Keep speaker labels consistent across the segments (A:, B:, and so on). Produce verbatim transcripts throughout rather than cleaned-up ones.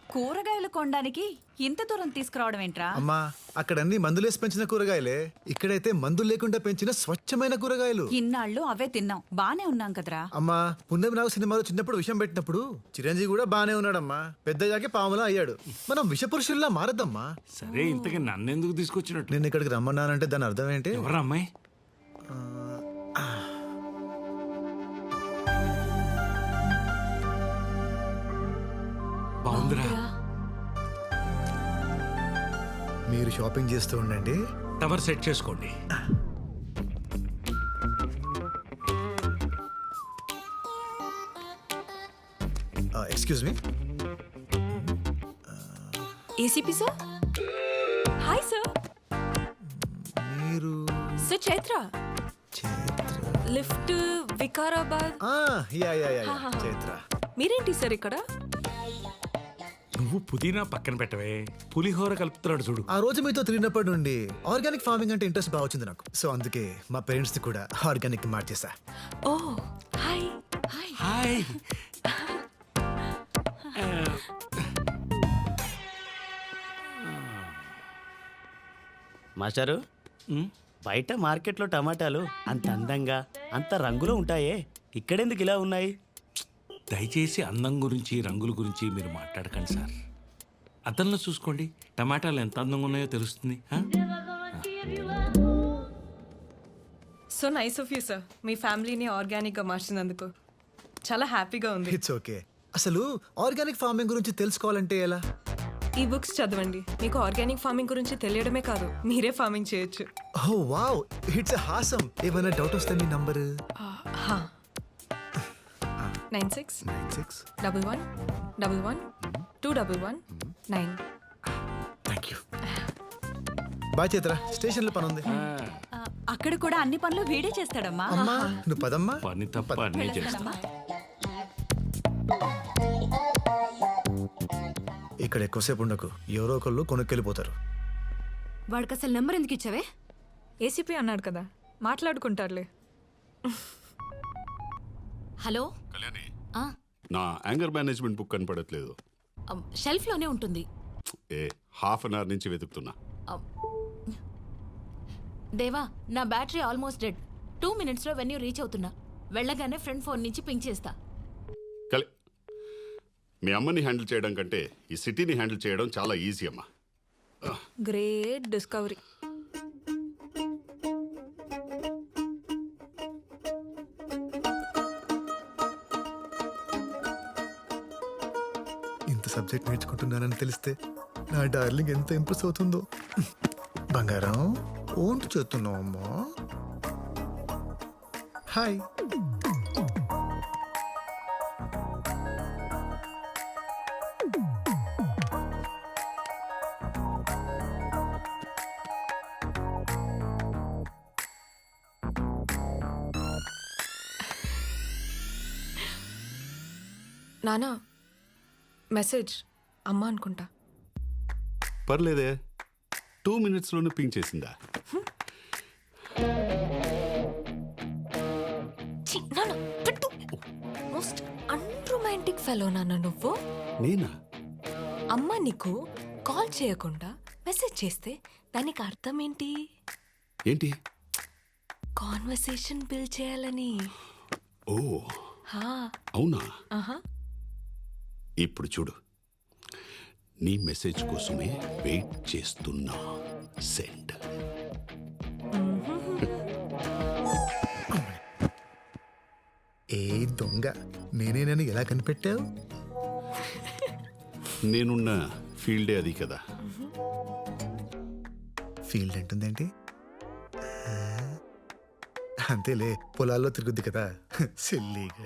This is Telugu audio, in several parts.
A: కూరగాయలు కొనడానికి ఇంత దూరం తీసుకురావడం ఏంట్రా?
B: అమ్మా అక్కడ అన్ని మందులేసి పెంచిన కూరగాయలే, ఇక్కడైతే మందులు లేకుండా పెంచిన స్వచ్ఛమైన కూరగాయలు.
A: ఇన్నాళ్ళు అవే తిన్నాం, బానే ఉన్నాం కదరా.
B: అమ్మా పున్నమి నాగు సినిమాలో చిన్నప్పుడు విషం పెట్టినప్పుడు చిరంజీవి కూడా బానే ఉన్నాడమ్మా. పెద్దయ్యాకే పాములా అయ్యాడు. మనం విషపురుషుల్లా మారద్దమ్మా.
C: సరే ఇంతకీ నన్నెందుకు తీసుకొచ్చినట్టు?
B: నేను ఇక్కడికి రమ్మన్నానంటే దాని అర్థం ఏంటి?
C: ఎవరా అమ్మాయి? బాగుందిరా.
B: మీరు షాపింగ్ చేస్తూ ఉండండి,
C: టవర్ సెట్ చేసుకోండి.
B: Excuse me.
D: ACP sir. Hi sir.
B: మీరు
D: సార్ చైత్ర,
B: చైత్ర?
D: లిఫ్ట్ వికారాబాద్.
B: ఆ, yeah yeah yeah yeah, Chaitra.
D: మీరేంటి సార్ ఇక్కడ?
C: నువ్వు పుదీనా పక్కన పెట్టవే, పులిహోర కలుపుతున్నాడు చూడు.
B: ఆ రోజు మీతో తిరిగినప్పటి నుండి ఆర్గానిక్ ఫార్మింగ్ అంటే ఇంట్రెస్ట్ బాగా వచ్చింది నాకు. సో అందుకే మా పేరెంట్స్ ని కూడా ఆర్గానిక్ మార్చేసా.
D: ఓ హాయ్. హాయ్.
C: హాయ్.
E: మాస్టారు, బయట మార్కెట్లో టమాటాలు అంత అందంగా అంత రంగులో ఉంటాయే, ఇక్కడెందుకు ఇలా ఉన్నాయి?
C: దయచేసి అందం గురించి రంగుల గురించి మీరు మాట్లాడకండి సార్. అద్దంలో చూసుకోండి, టమాటాలు ఎంత అందంగా ఉన్నాయో తెలుస్తుంది.
D: So nice of you sir, మీ ఫ్యామిలీని ఆర్గానిక్గా మార్చినందుకు చాలా హ్యాపీగా ఉంది.
B: It's okay. అసలు ఆర్గానిక్ ఫార్మింగ్ గురించి తెలుసుకోవాలంటే ఎలా?
D: ఈ బుక్స్ చదవండి, మీకు ఆర్గానిక్ ఫార్మింగ్ గురించి తెలియడమే కాదు, మీరే ఫార్మింగ్ చేయొచ్చు.
B: Oh wow, it's awesome. ఏమైనా డౌట్ వస్తే మీ number
D: nine six
B: nine six
D: double one double one two double one nine.
B: Thank you. Bye Chaitra, station లో పని ఉంది.
A: ఆ, అక్కడ కూడా అన్ని పనులు వీడే చేస్తాడమ్మా.
B: అమ్మా నువ్వు పదమ్మా.
C: పని తప్ప అన్నీ చేస్తా.
A: వెళ్ళొస్తానమ్మా.
B: ఇక్కడ ఎక్కువసేపు ఉండకు, ఎవరో ఒకళ్ళు కొనుక్కెళ్ళిపోతారు.
F: వాడికి అసలు నెంబర్ ఎందుకు ఇచ్చావే?
D: ఏసీపీ అన్నాడు కదా, మాట్లాడుకుంటారులే.
F: హలో
G: కళ్యాణి,
F: ఆ,
G: నా యాంగర్ మేనేజ్మెంట్ బుక్ కనపడట్లేదు.
F: అమ్, షెల్ఫ్లోనే ఉంటుంది.
G: ఏ హాఫ్ అన్ అవర్ నుంచి వెతుకుతున్నా.
F: అమ్, దేవా, నా బ్యాటరీ ఆల్మోస్ట్ డెడ్. టూ మినిట్స్లో వెన్యూ రీచ్ అవుతున్నా. వెళ్ళగానే ఫ్రెండ్ ఫోన్ నుంచి పింక్ చేస్తా.
G: కలి మీ అమ్మని హ్యాండిల్ చేయడం కంటే ఈ సిటీని హ్యాండిల్ చేయడం చాలా ఈజీ అమ్మా.
D: Great discovery.
B: ఇంత సబ్జెక్ట్ నేర్చుకుంటున్నానని తెలిస్తే నా డార్లింగ్ ఎంత ఇంప్రెస్ అవుతుందో. బంగారం ఓంటు చేస్తున్నావు అమ్మా. హాయ్.
D: నానా, మెసేజ్ అమ్మ అనుకుంటా.
G: పర్లేదే, టూ మినిట్స్లోనే పింక్ చేసిందా?
D: మోస్ట్ అన్రొమాంటిక్ ఫెలో నాన్న నువ్వు.
G: నేనా?
D: అమ్మ నీకు కాల్ చేయకుండా మెసేజ్ చేస్తే దానికి అర్థం ఏంటి?
G: ఏంటి?
D: కాన్వర్సేషన్ బిల్డ్ చేయాలని.
G: ఓ
D: హా.
G: అవునా?
D: ఆహా.
G: ఇప్పుడు చూడు, నీ మెసేజ్ కోసమే వెయిట్ చేస్తున్నా. సెండ్.
B: ఏ దొంగ, నేనేనని ఎలా కనిపెట్టావు?
G: నేనున్న ఫీల్డే అది కదా.
B: ఫీల్డ్ అంటుందేంటి? అంతేలే, పొలాల్లో తిరుగుద్ది కదా. సిల్లీగా.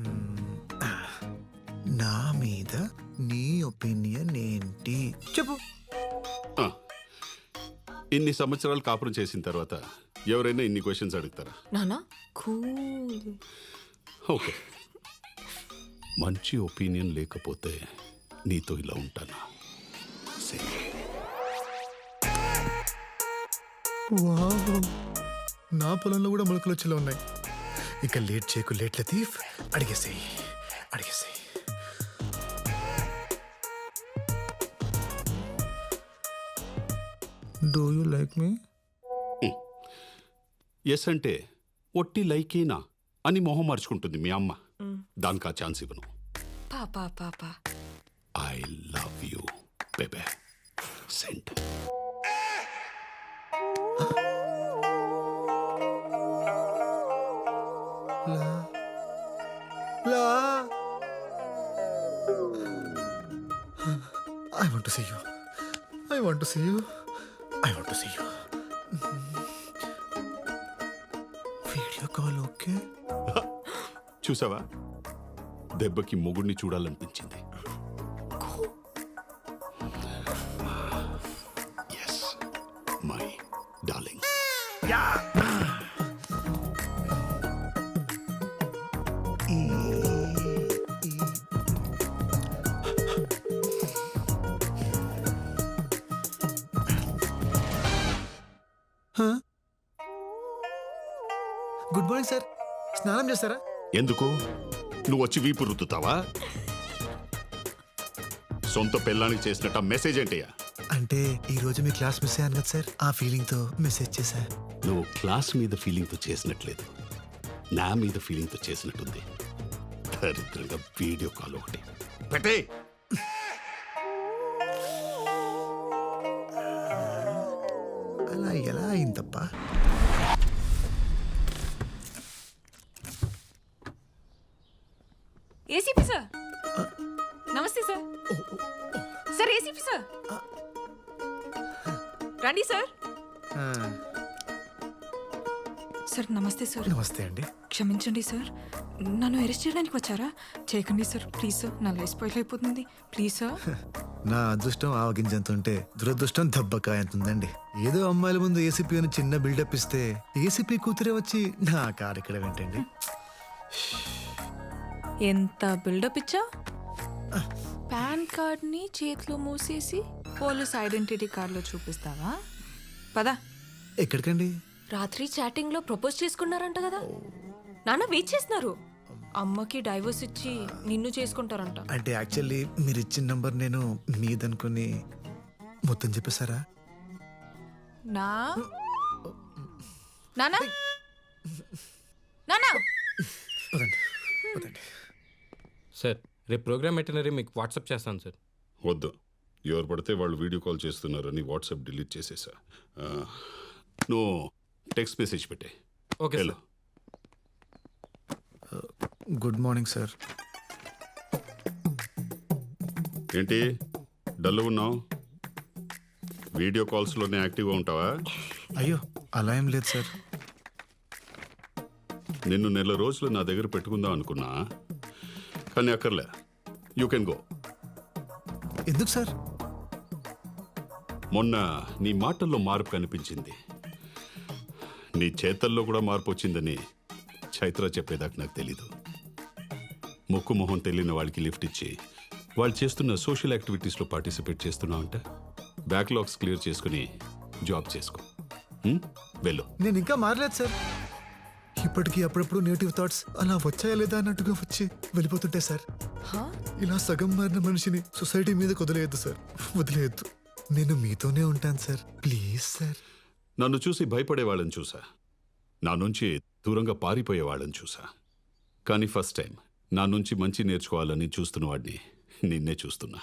B: నా మీద నీ ఒపీనియన్ ఏంటి చెప్పు.
G: ఆ, ఇన్ని సంవత్సరాలు కాపురం చేసిన తర్వాత ఎవరైనా ఇన్ని క్వశ్చన్స్ అడుగుతారా?
D: నానా కూల్.
G: ఓకే, మంచి ఒపీనియన్ లేకపోతే నీతో ఇలా ఉంటానా? సరే.
B: వావ్, నా పొలంలో కూడా మొలకలు వచ్చేలా ఉన్నాయి. ఇక లేట్ చేయకు లేట్ లతీఫ్, అడిగేసేయి అడిగేసేయి. Do you like me?
G: Yes అంటే ఒట్టి లైకేనా అని మొహం మార్చుకుంటుంది మీ అమ్మ. దానికి ఆ ఛాన్స్ ఇవ్వను.
D: పాపా పాపా
G: ఐ లవ్ యూ బేబే. సెంట్.
B: లా లా I want to see you. I want to see you. I want to see you. Video call okay.
G: చూసావా, దెబ్బకి మొగుడిని చూడాలనిపించింది. Yes my darling.
B: Good morning sir. స్నానం చేస్తారా?
G: ఎందుకు? నువ్వు వచ్చి వీపు రుద్దుతావా? సొంత పెళ్ళానికి చేసినట్ట మెసేజ్ ఏంటయ్యా?
B: అంటే ఈ రోజు మీ క్లాస్ మిస్ అయ్యాను కదా సార్, ఆ ఫీలింగ్ తో మెసేజ్ చేశా.
G: నువ్వు క్లాస్ మీద ఫీలింగ్తో చేసినట్లేదు, నా మీద ఫీలింగ్తో చేసినట్టుంది. దరిద్రంగా వీడియో కాల్ ఒకటి పెట్టే.
B: అలా ఎలా అయిందప్ప?
D: ACP sir. నమస్తే సార్. Sir ACP sir. రండి సార్. సార్ నమస్తే సార్.
B: నమస్తే అండి.
D: క్షమించండి సార్, నన్ను అరెస్ట్ చేయడానికి వచ్చారా? చేయకండి సార్, ప్లీజ్ సార్. నా లైఫ్ స్పాయిల్ అయిపోతుంది, ప్లీజ్ సార్.
B: నా అదృష్టం ఆవగింజంత ఉంటే దురదృష్టం దెబ్బకాయ ఎంత ఉందండి. ఏదో అమ్మాయిల ముందు ఏసీపీ అని చిన్న బిల్డప్ ఇస్తే ఏసీపీ కూతురే వచ్చి నా కారు ఇక్కడ ఏంటండి?
D: ఎంత బిల్డప్ ఇచ్చా? పాన్ కార్డ్ని చేతిలో మూసేసి పోలీస్ ఐడెంటిటీ కార్డులో చూపిస్తావా? పదా.
B: ఎక్కడికండి?
D: రాత్రి చాటింగ్ లో ప్రపోజ్ చేసుకున్నారంట కదా. నాన్న వెయిట్ చేస్తున్నారు. అమ్మకి డైవర్స్ ఇచ్చి నిన్ను చేసుకుంటారంట.
B: అంటే యాక్చువల్లీ మీరు ఇచ్చిన నంబర్ నేను మీదనుకుని మొత్తం చెప్పేశారా?
D: నా నానా నానా
B: పదండి పదండి.
H: సార్ రేపు ప్రోగ్రామ్ ఎటనరీ మీకు వాట్సాప్ చేస్తాను సార్.
G: వద్దు, ఎవరు పడితే వాళ్ళు వీడియో కాల్ చేస్తున్నారని వాట్సాప్ డిలీట్ చేసేసా. ఆ, నువ్వు టెక్స్ట్ మెసేజ్ పెట్టే.
H: Okay
G: hello.
B: Good morning sir.
G: ఏంటి డల్ ఉన్నావు? వీడియో కాల్స్లోనే యాక్టివ్గా ఉంటావా?
B: అయ్యో అలా ఏం లేదు సార్.
G: నిన్ను నెల రోజులు నా దగ్గర పెట్టుకుందాం అనుకున్నా, కానీ అక్కర్లే. You can go.
B: ఎందుకు సార్?
G: మొన్న నీ మాటల్లో మార్పు కనిపించింది, నీ చేతల్లో కూడా మార్పు వచ్చిందని చైత్ర చెప్పేదాకా నాకు తెలీదు. ముక్కు మొహం తెలియని వాళ్ళకి లిఫ్ట్ ఇచ్చి వాళ్ళు చేస్తున్న సోషల్ యాక్టివిటీస్లో పార్టిసిపేట్ చేస్తున్నావు అంట. బ్యాక్లాగ్స్ క్లియర్ చేసుకుని జాబ్ చేసుకో. హ్మ్? వెళ్ళు.
B: నేను ఇంకా మారలేదు సార్. ఇప్పటికీ అప్పుడప్పుడు నెగిటివ్ థాట్స్ అలా వచ్చాయా లేదా అన్నట్టుగా వచ్చి వెళ్ళిపోతుంటాయి సార్. ఇలా సగం మారిన మనిషిని సొసైటీ మీద వదిలేయద్దు సార్, వదిలేయద్దు. నేను మీతోనే ఉంటాను సార్, ప్లీజ్ సార్.
G: నన్ను చూసి భయపడే వాళ్ళని చూసా, నా నుంచి దూరంగా పారిపోయే వాళ్ళని చూసా, కానీ ఫస్ట్ టైం నా నుంచి మంచి నేర్చుకోవాలని చూస్తున్న వాడిని నిన్నే చూస్తున్నా.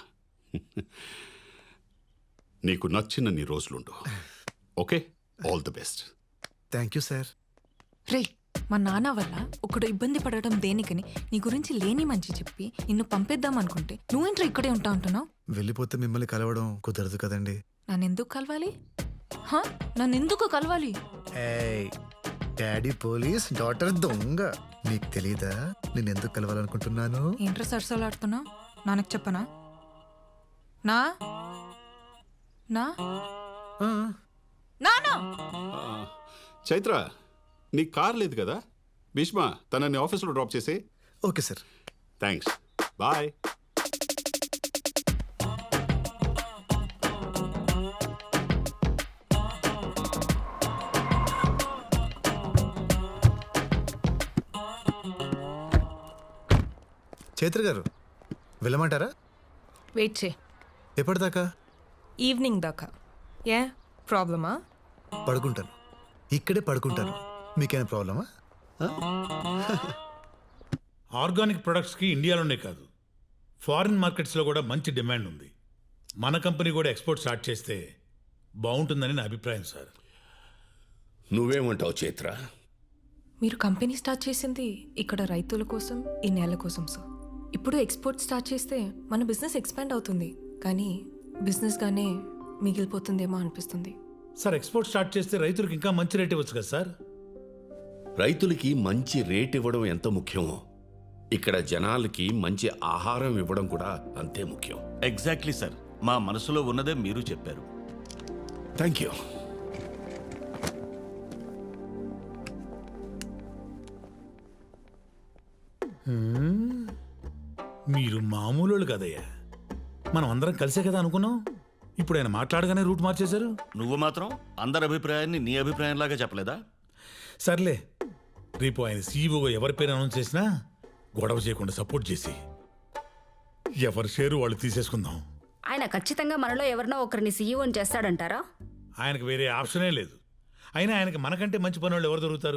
G: నీకు నచ్చిన నీ రోజులుండు. Okay, all the best.
B: Thank you sir.
D: రే, మా నాన్న వల్ల ఒకడు ఇబ్బంది పడటం దేనికని నీ గురించి లేని మంచి చెప్పి నిన్ను పంపేద్దాం అనుకుంటే నువ్వేంట్రా ఇక్కడే ఉంటా అంటున్నావు?
B: వెళ్ళిపోతే మిమ్మల్ని కలవడం కుదరదు కదండి.
D: నన్నెందుకు కలవాలి? హా, నన్నెందుకు కలవాలి?
B: ఏయ్, డాడీ పోలీస్, డాటర్ దొంగ. నీకు తెలీదా నేను ఎందుకు కలవాలనుకుంటున్నాను?
D: ఏంట్రా సరసలాడుతున్నావు? నాన్నకు చెప్పనా? నా నా
B: ఆ,
D: నానా
G: ఆ, చైత్ర, నీ కార్ లేదు కదా? భీష్మ తనని ఆఫీస్లో డ్రాప్ చేసే.
B: Okay sir.
G: Thanks, bye.
B: Chaitra garu వెళ్ళమంటారా?
D: వెయిట్ చే.
B: ఎప్పటిదాకా?
D: ఈవినింగ్ దాకా. ఏ ప్రాబ్లమా?
B: పడుకుంటాను, ఇక్కడే పడుకుంటాను. మీకేమైనా ప్రాబ్లమా?
I: ఆర్గానిక్ ప్రొడక్ట్స్కి ఇండియాలోనే కాదు ఫారిన్ మార్కెట్స్లో కూడా మంచి డిమాండ్ ఉంది. మన కంపెనీ కూడా ఎక్స్పోర్ట్ స్టార్ట్ చేస్తే బాగుంటుందని నా అభిప్రాయం సార్.
J: నువ్వేమంటావు చైత్ర?
D: మీరు కంపెనీ స్టార్ట్ చేసింది ఇక్కడ రైతుల కోసం, ఈ నేల కోసం సార్. ఇప్పుడు ఎక్స్పోర్ట్ స్టార్ట్ చేస్తే మన బిజినెస్ ఎక్స్పాండ్ అవుతుంది, కానీ బిజినెస్గానే మిగిలిపోతుందేమో అనిపిస్తుంది.
I: సార్ ఎక్స్పోర్ట్ స్టార్ట్ చేస్తే రైతులకు ఇంకా మంచి రేట్ ఇవ్వచ్చు కదా సార్.
J: రైతులకి మంచి రేట్ ఇవ్వడం ఎంత ముఖ్యమో ఇక్కడ జనాలకి మంచి ఆహారం ఇవ్వడం కూడా అంతే ముఖ్యం.
K: ఎగ్జాక్ట్లీ సార్, మా మనసులో ఉన్నదే మీరు చెప్పారు.
J: Thank you.
I: మీరు మామూలు కదయ్యా, మనం అందరం కలిసే కదా అనుకున్నాం. ఇప్పుడు ఆయన మాట్లాడగానే రూట్ మార్చేశారు.
K: నువ్వు మాత్రం అందరి అభిప్రాయాన్ని నీ అభిప్రాయంలాగా చెప్పలేదా?
I: సర్లే, రేపు ఆయన సీఈఓగా ఎవరి పేరు అనౌన్స్ చేసినా గొడవ చేయకుండా సపోర్ట్ చేసి ఎవరి షేరు వాళ్ళు తీసేసుకుందాం.
F: ఆయన ఖచ్చితంగా మనలో ఎవరినో ఒకరిని సీఈఓని చేస్తాడంటారా?
I: ఆయనకు వేరే ఆప్షనే లేదు. అయినా ఆయనకి మనకంటే మంచి పని వాళ్ళు ఎవరు దొరుకుతారు?